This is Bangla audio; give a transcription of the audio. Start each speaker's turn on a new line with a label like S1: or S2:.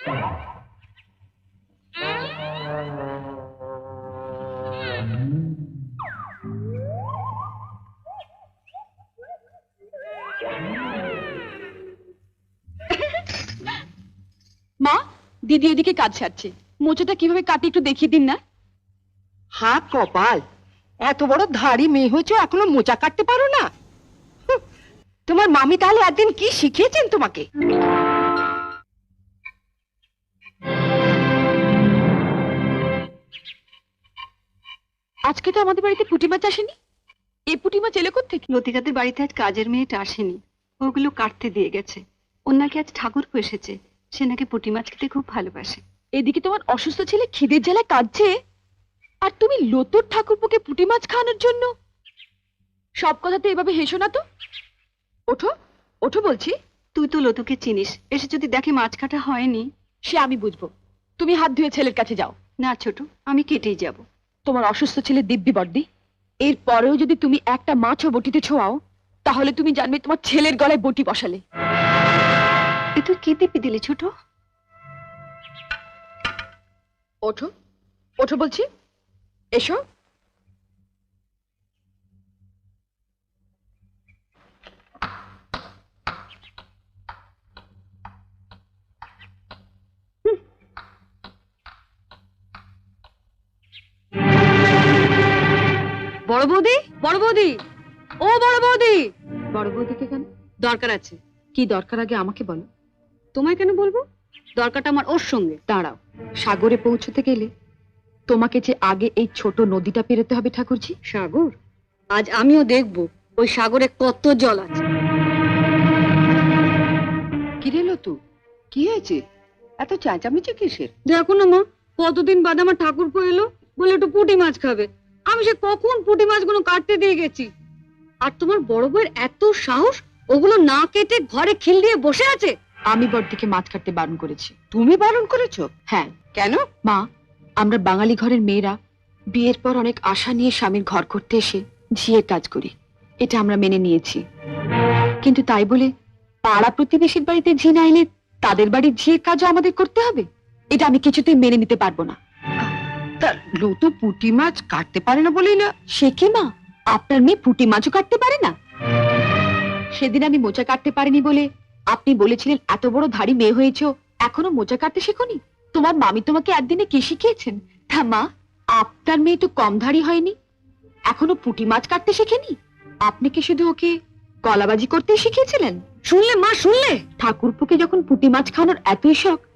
S1: মা, দিদি এদিকে কাজ সারছে, মোচাটা কিভাবে কাটি একটু দেখিয়ে দিন না।
S2: হ্যাঁ কপাল, এত বড় ধাড়ি মেয়ে হয়েছে এখনো মোচা কাটতে পারো না? তোমার মামি তাহলে একদিন কি শিখিয়েছেন তোমাকে?
S1: আজকে তো আমাদের বাড়িতে পুঁটি মাছ আসেনি। এই পুঁটি মাছ এলো কোত্থেকে?
S3: লতিকাদের বাড়িতে আজ কাজের মেয়েটা আসেনি, ওগুলো কাটতে দিয়ে গেছে। ওর নাকি আজ ঠাকুর এসেছে, সে নাকি পুঁটি মাছ খেতে খুব ভালোবাসে।
S1: এদিকে তোমার অসুস্থ ছেলে খিদের জ্বালায় কাঁদছে, আর তুমি লতুর ঠাকুরপোকে পুঁটি মাছ খাওয়ানোর জন্য। সব কথাতে এভাবে হেসো না তো। ওঠো ওঠো বলছি।
S3: তুই তো লতুকে চিনিস, এসে যদি দেখে মাছ কাটা হয়নি।
S1: সে আমি বুঝবো, তুমি হাত ধুয়ে ছেলের কাছে যাও।
S3: না ছোট, আমি কেটেই যাব।
S1: তোমার অসুস্থ ছেলে দিব্যি বর্দি, এর পরেও যদি তুমি একটা মাছও বটিতে ছোঁয়াও, তাহলে তুমি জানবে তোমার ছেলের গলায় বটি বসালে।
S3: এ তুই কি দিবি দিলি ছোট?
S1: ওঠো ওঠো বলছি, এসো।
S3: বড় বৌদি, বড় বৌদি, ও বড় বৌদি।
S1: বড় বৌদিকে কেন?
S3: দরকার আছে।
S1: কি দরকার আগে আমাকে বলো।
S3: তোমায় কেন বলবো? দরকারটা আমার ওর সঙ্গে।
S1: দাঁড়াও, সাগরে পৌঁছতে গেলে তোমাকে যে আগে এই ছোট নদীটা পেরোতে হবে ঠাকুরজি।
S3: সাগর? আজ আমিও দেখব ওই সাগরে কত জল আছে।
S2: কি রে লতু, কি হয়েছে? এত চেঁচামেচি কিসের?
S3: দেখো না মা, কতদিন বাদে আমার ঠাকুরপো এলো, বলে একটু পুঁটি মাছ খাবে। আমি সে কখন পুঁটি মাছগুলো কাটতে দিয়ে গেছি, আর তোমার বড় বউয়ের এত সাহস, ওগুলো না কেটে ঘরে খিল দিয়ে বসে আছে।
S1: আমি বড়দিকে মাছ কাটতে বারণ করেছি।
S2: তুমি বারণ করেছো?
S1: হ্যাঁ।
S2: কেন?
S1: মা, আমরা বাঙালি ঘরের মেয়েরা বিয়ের পর অনেক আশা নিয়ে স্বামীর ঘর করতে এসে ঝিয়ের কাজ করি, এটা আমরা মেনে নিয়েছি। কিন্তু তাই বলে পাড়া প্রতিবেশীর বাড়িতে ঝি না এলে তাদের বাড়ির ঝিয়ের কাজও আমাদের করতে হবে, এটা আমি কিছুতেই মেনে নিতে পারবো না।
S2: তা লতু পুঁটি মাছ কাটতে পারে না বলেই না?
S1: সে কি মা, আপনার মেয়ে পুঁটি মাছও কাটতে পারে না? সেদিন আমি মোচা কাটতে পারিনি বলে আপনি বলেছিলেন এত বড় ধাড়ি মেয়ে হয়েছো, এখনো মোচা কাটতে শেখোনি? তোমার মামি তোমাকে একদিনে কি শিখিয়েছেন? তা মা, আপনার মেয়ে তো কম ধাড়ি হয়নি, এখনো পুঁটি মাছ কাটতে শেখেনি। আপনি কি শুধু ওকে কলাবাজি করতেই শিখিয়েছিলেন?
S3: শুনলে মা, শুনলে?
S1: ঠাকুরপুকে যখন পুঁটি মাছ খাওয়ানোর এতই শখ,